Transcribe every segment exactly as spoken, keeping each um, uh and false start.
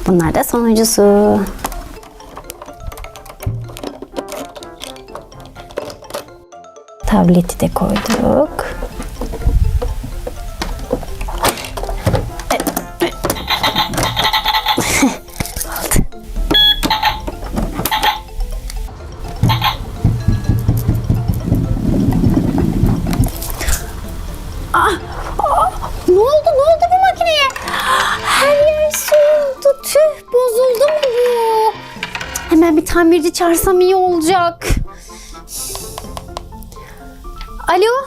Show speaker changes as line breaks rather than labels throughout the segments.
Bunlar da sonuncusu. Tableti de koyduk. Ne oldu? Ne oldu bu makineye? Her yer soğudu. Tüh, bozuldu mu bu? Hemen bir tamirci çağırsam iyi olacak. Alo?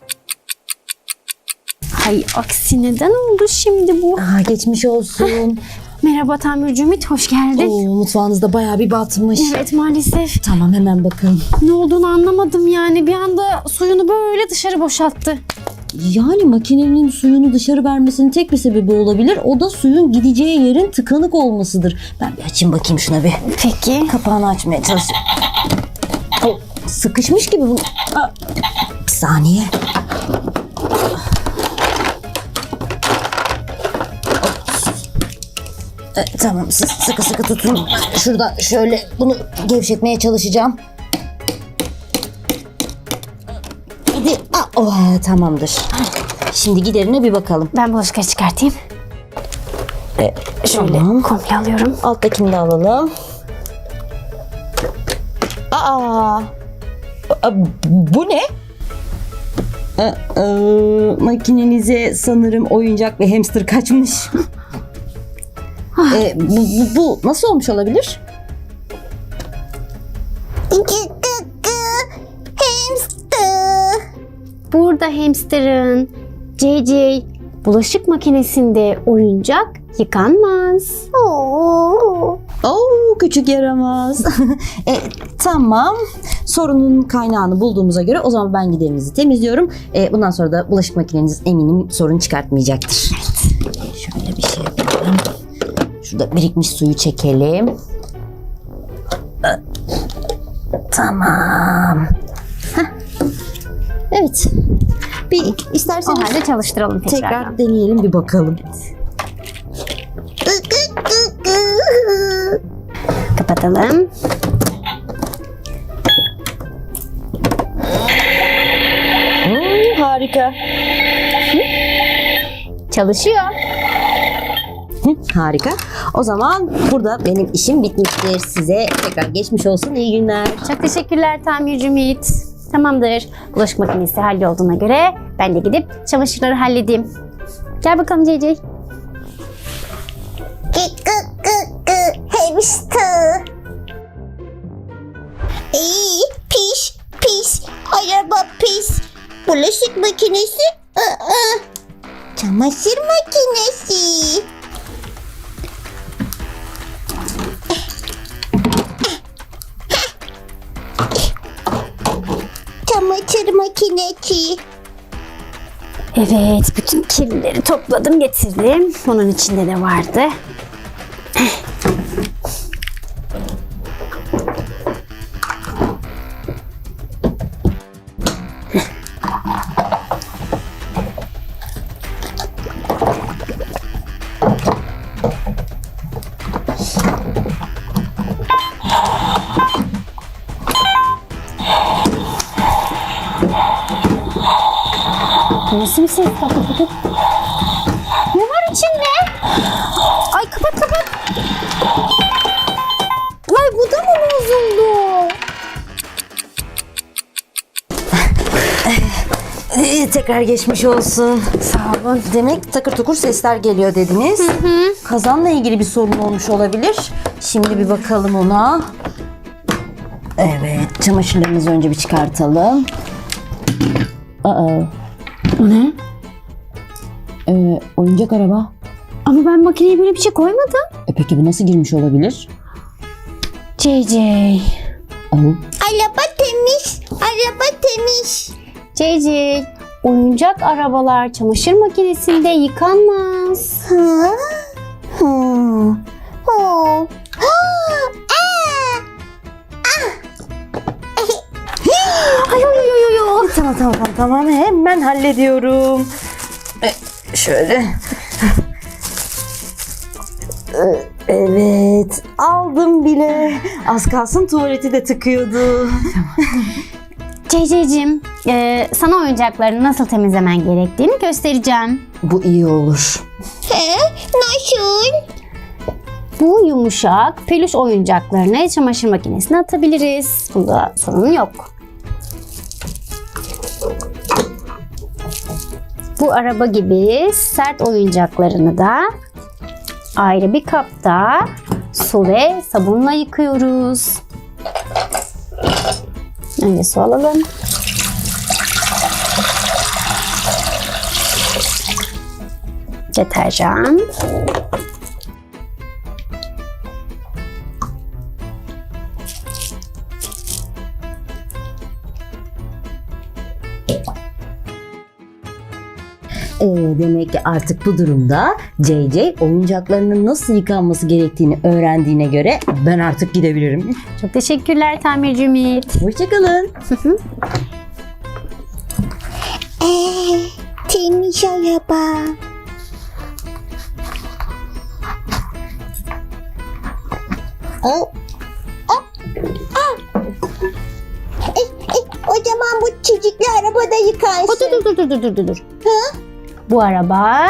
Hay aksi, neden oldu şimdi bu?
Aa, geçmiş olsun.
Merhaba tamirci Ümit, hoş geldin.
Oo, mutfağınızda bayağı bir batmış.
Evet, maalesef.
Tamam, hemen bakın.
Ne olduğunu anlamadım yani. Bir anda suyunu böyle dışarı boşalttı.
Yani makinenin suyunu dışarı vermesinin tek bir sebebi olabilir. O da suyun gideceği yerin tıkanık olmasıdır. Ben bir açayım bakayım şuna bir.
Peki.
Kapağını açmaya çalışıyorum. O sıkışmış gibi bu. Aa, bir saniye. E, tamam, siz sıkı sıkı tutun. Şuradan şöyle bunu gevşetmeye çalışacağım. Hadi. Aa, oh, tamamdır. Şimdi giderine bir bakalım.
Ben bulaşıkları çıkartayım.
E,
Şöyle
tamam.
komple alıyorum.
Alttakini de alalım. Aa, Aa, bu ne? Aa, aa, makinenize sanırım oyuncak ve hamster kaçmış. e, bu, bu, bu nasıl olmuş olabilir?
Hamster.
Burada hamsterın C C bulaşık makinesinde oyuncak yıkanmaz.
Oo.
Oo, küçük yaramaz. e, tamam. Sorunun kaynağını bulduğumuza göre o zaman ben giderinizi temizliyorum. E, bundan sonra da bulaşık makineniz eminim sorun çıkartmayacaktır. Evet. Şöyle bir şey yapalım. Şurada birikmiş suyu çekelim. E, tamam. Heh. Evet. Bir istersen
O halde çalıştıralım tekrardan.
tekrar deneyelim, bir bakalım.
Kapatalım.
Hmm, harika.
Çalışıyor.
Hı, harika. O zaman burada benim işim bitmiştir. Size tekrar geçmiş olsun. İyi günler.
Çok teşekkürler tamirci Ümit. Tamamdır. Bulaşık makinesi hallolduğuna göre ben de gidip çamaşırları halledeyim. Gel bakalım C C.
Gı gı gı gı. Hamster. İyi, pis pis. Araba pis. Bulaşık makinesi. Aa. Çamaşır makinesi. Çamaşır makinesi.
Evet, bütün kirlileri topladım getirdim. Bunun içinde de vardı. Nasıl bir ses? Kapat kapat. Ne var içinde? Ay kapat kapat. Ay bu da mı bozuldu?
Ee, tekrar geçmiş olsun.
Sağ olun.
Demek takır tukur sesler geliyor dediniz.
Hı hı.
Kazanla ilgili bir sorun olmuş olabilir. Şimdi bir bakalım ona. Evet, çamaşırlarımızı önce bir çıkartalım. Aa,
O ne?
e, oyuncak araba.
Ama ben makineye böyle bir şey koymadım.
E peki bu nasıl girmiş olabilir?
C C.
Aa,
Araba temiz. Araba temiz.
C C. Oyuncak arabalar çamaşır makinesinde yıkanmaz.
Hı? Hı. Hı. Aa!
Ay ay ay ay ay.
tamam tamam tamam tamam hemen hallediyorum. E, şöyle. E, Evet, aldım bile. Az kalsın tuvaleti de tıkıyordu.
Ceyceyciğim, e, sana oyuncaklarını nasıl temizlemen gerektiğini göstereceğim.
Bu iyi olur.
He? Nasıl?
Bu yumuşak peluş oyuncaklarını çamaşır makinesine atabiliriz. Bunda sorun yok. Bu araba gibi sert oyuncaklarını da ayrı bir kapta su ve sabunla yıkıyoruz. Önce su alalım. Deterjan.
Ee, demek ki artık bu durumda C C oyuncaklarının nasıl yıkanması gerektiğini öğrendiğine göre ben artık gidebilirim.
Çok teşekkürler tamirci Ümit.
Hoşçakalın.
Ee, temiz araba. Oh. Oh. Ah. E, e, o zaman bu çocuklu arabada yıkarsın.
Dur dur dur dur dur dur dur.
Ha?
Bu araba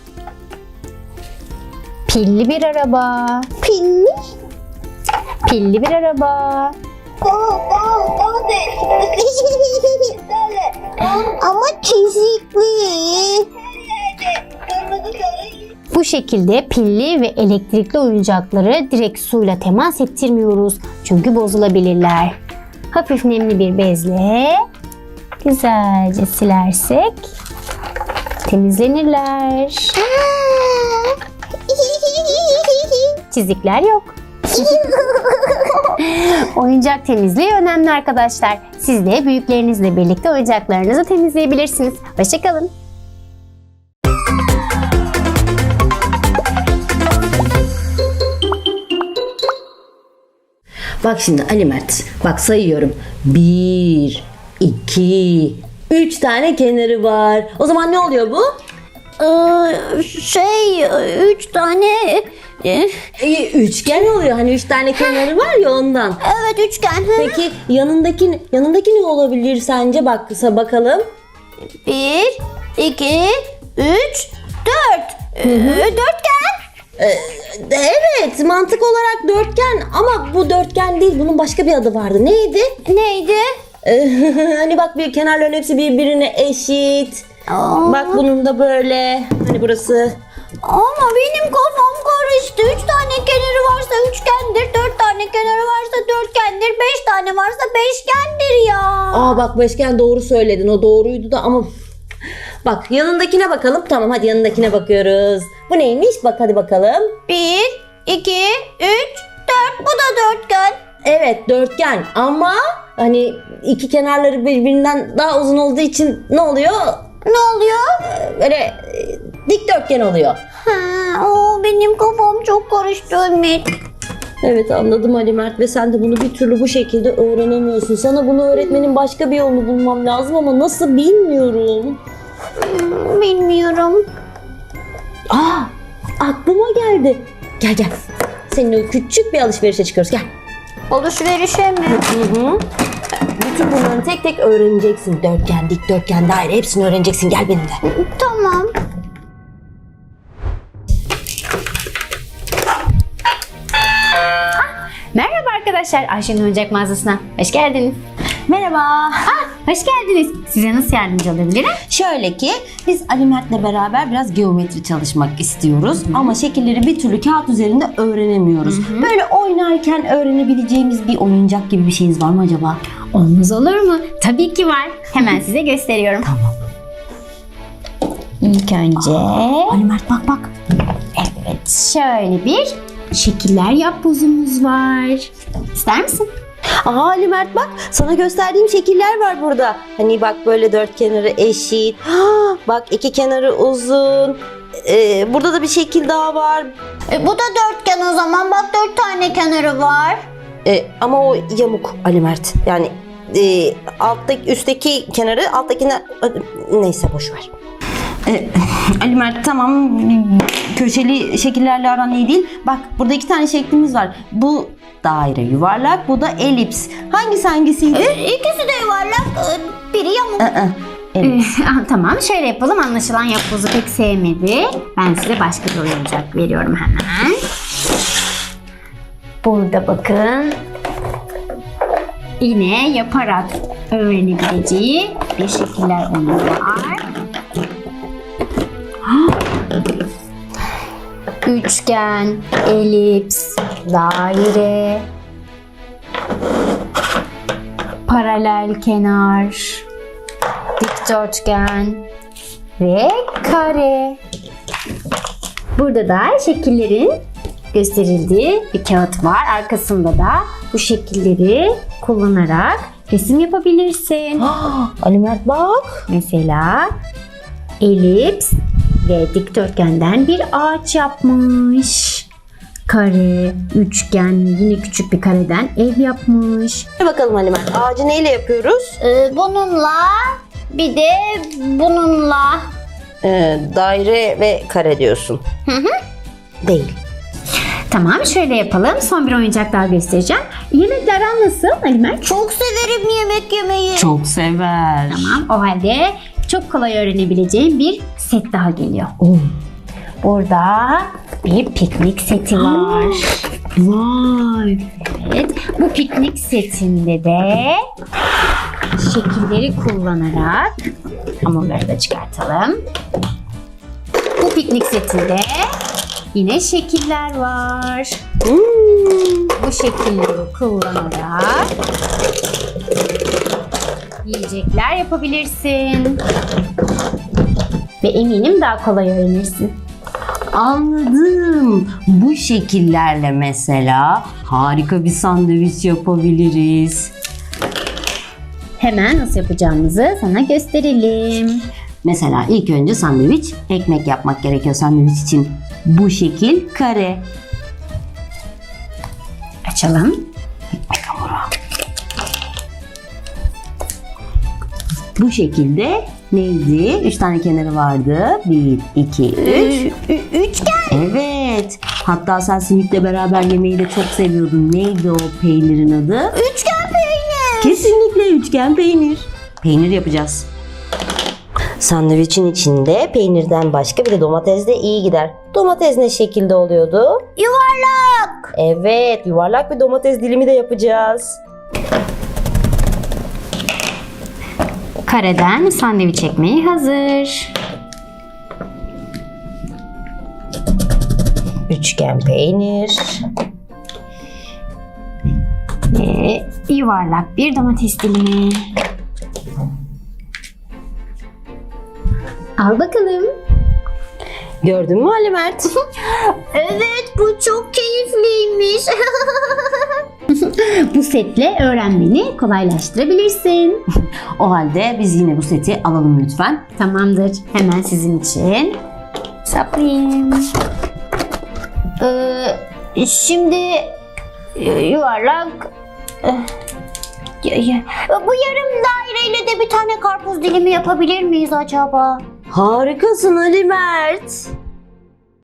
pilli bir araba.
Pilli.
Pilli bir araba.
Ama çizikli.
Bu şekilde pilli ve elektrikli oyuncakları direkt suyla temas ettirmiyoruz. Çünkü bozulabilirler. Hafif nemli bir bezle güzelce silersek temizlenirler. Çizikler yok. Oyuncak temizliği önemli arkadaşlar. Siz de büyüklerinizle birlikte oyuncaklarınızı temizleyebilirsiniz. Hoşçakalın.
Bak şimdi Ali Mert. Bak sayıyorum. Bir, iki, üç tane kenarı var. O zaman ne oluyor bu?
Ee, şey, üç tane...
Ee, üçgen oluyor. Hani üç tane kenarı var ya ondan.
Evet, üçgen.
Peki yanındaki yanındaki ne olabilir sence? Bak bakalım.
Bir, iki, üç, dört. Dörtgen.
Evet, mantık olarak dörtgen ama bu dörtgen değil. Bunun başka bir adı vardı. Neydi?
Neydi?
Hani bak bir kenarların hepsi birbirine eşit.
Aa.
Bak bunun da böyle. Hani burası.
Ama benim kafam karıştı. Üç tane kenarı varsa üçgendir. Dört tane kenarı varsa dörtgendir. Beş tane varsa beşgendir ya.
Aa bak beşgen doğru söyledin. O doğruydu da ama bak yanındakine bakalım. Tamam hadi yanındakine bakıyoruz. Bu neymiş? Bak hadi bakalım.
Bir, iki, üç, dört. Bu da dörtgen.
Evet dörtgen ama hani iki kenarları birbirinden daha uzun olduğu için ne oluyor?
Ne oluyor?
Böyle e, dikdörtgen oluyor.
Ha, o benim kafam çok karıştı Ümit.
Evet anladım Ali Mert ve sen de bunu bir türlü bu şekilde öğrenemiyorsun. Sana bunu öğretmenin başka bir yolunu bulmam lazım ama nasıl bilmiyorum.
Hmm, Bilmiyorum.
Aa aklıma geldi. Gel gel. Seninle küçük bir alışverişe çıkıyoruz gel.
Alışverişe mi?
Hı hı. Bütün bunları tek tek öğreneceksin. Dörtgen, dikdörtgen, daire hepsini öğreneceksin. Gel benimle.
Tamam. Merhaba arkadaşlar, Ayşe'nin oyuncak mağazasına hoş geldiniz.
Merhaba.
Ah, hoş geldiniz. Size nasıl yardımcı olabilirim?
Şöyle ki biz Ali Mert'le beraber biraz geometri çalışmak istiyoruz. Ama şekilleri bir türlü kağıt üzerinde öğrenemiyoruz. Böyle oynarken öğrenebileceğimiz bir oyuncak gibi bir şeyiniz var mı acaba?
Olmaz olur mu? Tabii ki var. Hemen size gösteriyorum.
Tamam.
İlk önce
Ali Mert bak bak.
evet şöyle bir şekiller yap bozumuz var. İster misin?
Aa Ali Mert bak sana gösterdiğim şekiller var burada. Hani bak böyle dört kenarı eşit. Ha, bak iki kenarı uzun. Ee, burada da bir şekil daha var.
E, bu da dörtgen o zaman. Bak dört tane kenarı var.
Ee, ama o yamuk Ali Mert. Yani e, alttaki üstteki kenarı alttakine neyse boş ver. Ee, Ali Mert tamam, köşeli şekillerle aran iyi değil. Bak burada iki tane şeklimiz var. Bu daire yuvarlak, bu da elips. Hangisi hangisiydi?
İkisi de yuvarlak, e, biri yamuk.
Aa, elips.
Ah, tamam şöyle yapalım. Anlaşılan yapbozu pek sevmedi. Ben size başka bir oyuncak veriyorum hemen. Burada bakın. Yine yaparak öğrenebileceği bir şekiller oyunu var. Üçgen, elips, daire, paralel kenar, dikdörtgen ve kare. Burada da şekillerin gösterildiği bir kağıt var. Arkasında da bu şekilleri kullanarak resim yapabilirsin.
Ali Mert bak.
Mesela elips ve dikdörtgenden bir ağaç yapmış. Kare, üçgen, yine küçük bir kareden ev yapmış.
Hadi bakalım Ali Mert. Ağacı neyle yapıyoruz?
E, bununla, bir de bununla.
Ee, daire ve kare diyorsun.
Hı hı.
Değil.
Tamam şöyle yapalım. Son bir oyuncak daha göstereceğim. Yemekler aran nasıl Ali Mert?
Çok severim yemek yemeyi.
Çok sever.
Tamam o halde çok kolay öğrenebileceğin bir set daha geliyor.
Oh.
Burada bir piknik seti var.
Vay.
Evet, bu piknik setinde de şekilleri kullanarak hamurları da çıkartalım. Bu piknik setinde yine şekiller var.
Hmm.
Bu şekilleri kullanarak yiyecekler yapabilirsin. Ve eminim daha kolay öğrenirsin.
Anladım. Bu şekillerle mesela harika bir sandviç yapabiliriz.
Hemen nasıl yapacağımızı sana gösterelim.
Mesela ilk önce sandviç, ekmek yapmak gerekiyor sandviç için. Bu şekil kare.
Açalım.
Bu şekilde neydi? Üç tane kenarı vardı. Bir, iki, üç.
Üçgen.
Evet. Hatta sen simitle beraber yemeği de çok seviyordun. Neydi o peynirin adı?
Üçgen peynir.
Kesinlikle üçgen peynir. Peynir yapacağız. Sandviçin içinde peynirden başka bir de domates de iyi gider. Domates ne şekilde oluyordu?
Yuvarlak.
Evet, yuvarlak bir domates dilimi de yapacağız.
Kareden sandviç ekmeği hazır.
Üçgen peynir.
Ve yuvarlak bir domates dilimi. Al bakalım.
Gördün mü Ali Mert?
Evet, bu çok keyifliymiş.
Bu setle öğrenmeni kolaylaştırabilirsin.
O halde biz yine bu seti alalım lütfen.
Tamamdır. Hemen sizin için saplayayım.
Ee, şimdi e, yuvarlak. e, ya- ya- Bu yarım daireyle de bir tane karpuz dilimi yapabilir miyiz acaba?
Harikasın Ali Mert.